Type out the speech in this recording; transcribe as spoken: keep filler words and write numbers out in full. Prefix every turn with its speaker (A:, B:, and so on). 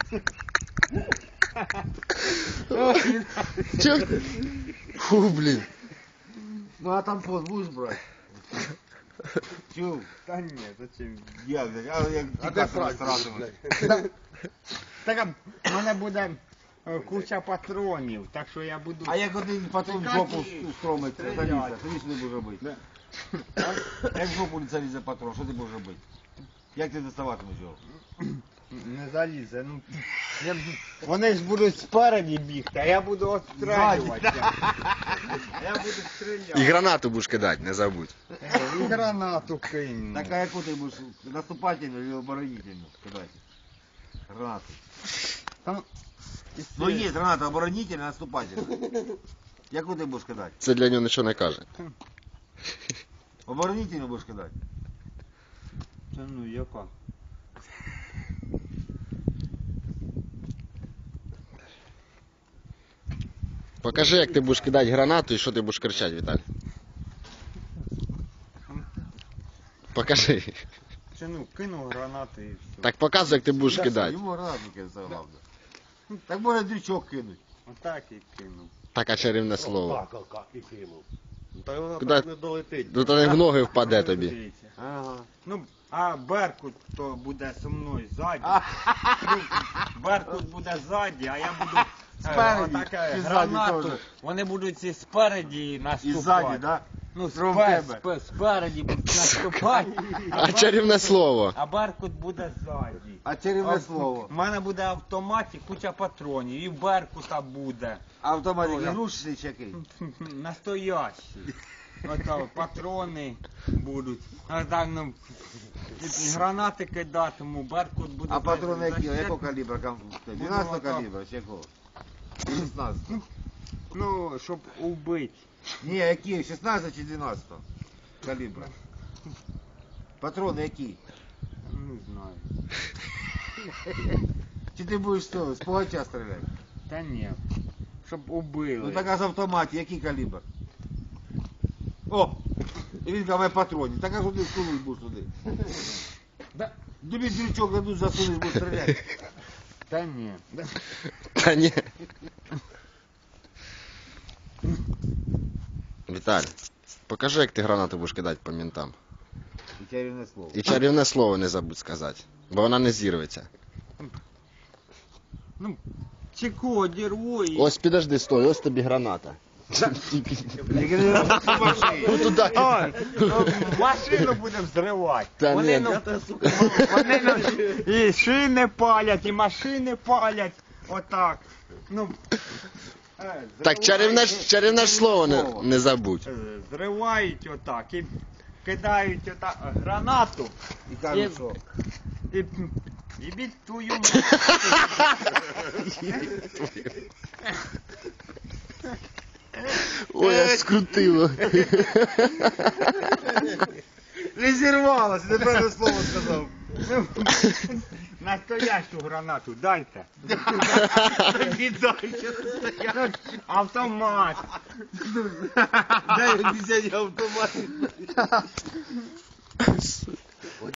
A: Чё? Фу, блин.
B: Ну а там пост будешь брать? Чё?
C: Та ні, зачем?
B: Як? А як
C: А де
B: тікати
C: Франк?
B: розтратувати?
C: Так, в мене буде е, куча патронів, так що я буду...
B: А як один патрон в жопу стромить, залізе, тоді що ти будеш робити? Як в жопу залізе патрон, що ти будеш робити? Як ти доставатимеш його?
C: Не залізе, ну... Я... Вони ж будуть спереді бігти, а я буду отстрелювати. Я буду
A: І
C: стріляти.
A: гранату будеш кидати, не забудь.
C: І гранату кинь.
B: Так а яку ти будеш наступательну или оборонительну кидати? Гранату.
C: Там...
B: Ну є граната оборонительна, наступательна. Яку ти будеш кидати?
A: Це для нього нічого не каже.
B: Оборонительну будеш кидати?
C: Це ну яка?
A: Покажи, як ти будеш кидати гранату і що ти будеш кричати, Віталій. Покажи.
C: Це ну кину гранати і все.
A: Так показуй, як ти будеш кидати.
B: Йому гранату кидати, це головне. Так можна дрючок кинуть.
C: Отак і кину.
A: Так, а чарівне слово.
D: Так, так, і кинув. Та вона
A: Куди?
D: так не долетить.
A: Ну то не в ноги впаде тобі.
C: Дивіться.
B: Ага.
C: Ну, а Беркут то буде зі мною ззаді. Ну, Беркут буде ззаді, а я буду
B: Спереді,
C: отаке
B: і ззаді
C: гранату.
B: теж.
C: Вони будуть і спереді
B: І
C: наступати.
B: ззаді, да?
C: Ну,
B: Крім
C: спе,
B: тебе.
C: спе, спереді будуть наступати.
A: А чарівне слово.
C: А Беркут буде ззаді.
B: А чарівне
C: А
B: слово.
C: У мене буде автомат і куча патронів, і в Беркута буде.
B: Автомат
C: Ой,
B: ігрушечний чи який?
C: Настоящий. Ото патрони будуть. А так, ну, і гранати кидатиму, Беркут буде.
B: А патрони які?
C: защит-
B: Якого калібра? дванадцятого калібра чи якого? шістнадцятого.
C: Ну, щоб убити.
B: Ні, які? шістнадцятого чи дванадцятого калібра? Патрони які?
C: Не знаю.
B: Чи ти будеш що, з пугача стріляти?
C: Та ні. Щоб убили.
B: Ну так а з автоматі, який калібр? О! І він каже, патронів. Так а що ти всунуть будеш туди?
C: Да.
B: Тобі дрючок дадуть, засунеш, будеш стріляти.
C: Та ні.
A: Та ні. Віталій, покажи, як ти гранату будеш кидати по ментам.
B: І чарівне слово.
A: І чарівне слово не забудь сказати, бо вона не зірветься.
C: Ну, чеко, дірву і...
A: Ось підожди, стой, ось тобі граната. Ну туди
C: Ой,
A: кидай.
C: ну, машину будемо взривати.
A: Та
C: Вони,
A: ні.
C: ну, вони ну, і шини палять, і машини палять. Отак. Ну, е,
A: Так, чарівне, ж- чарівне ж слово не, не забудь.
C: е, зривають отак і кидають отак гранату
B: І кажуть, що?
C: і, і біть твою мать.
A: Ой, аж скрутило.
B: Не зірвалося, неправильне слово сказав.
C: Настоящу гранату дайте.
B: Віддай, що ти стояв.
C: Автомат.
B: Дай десять автоматів.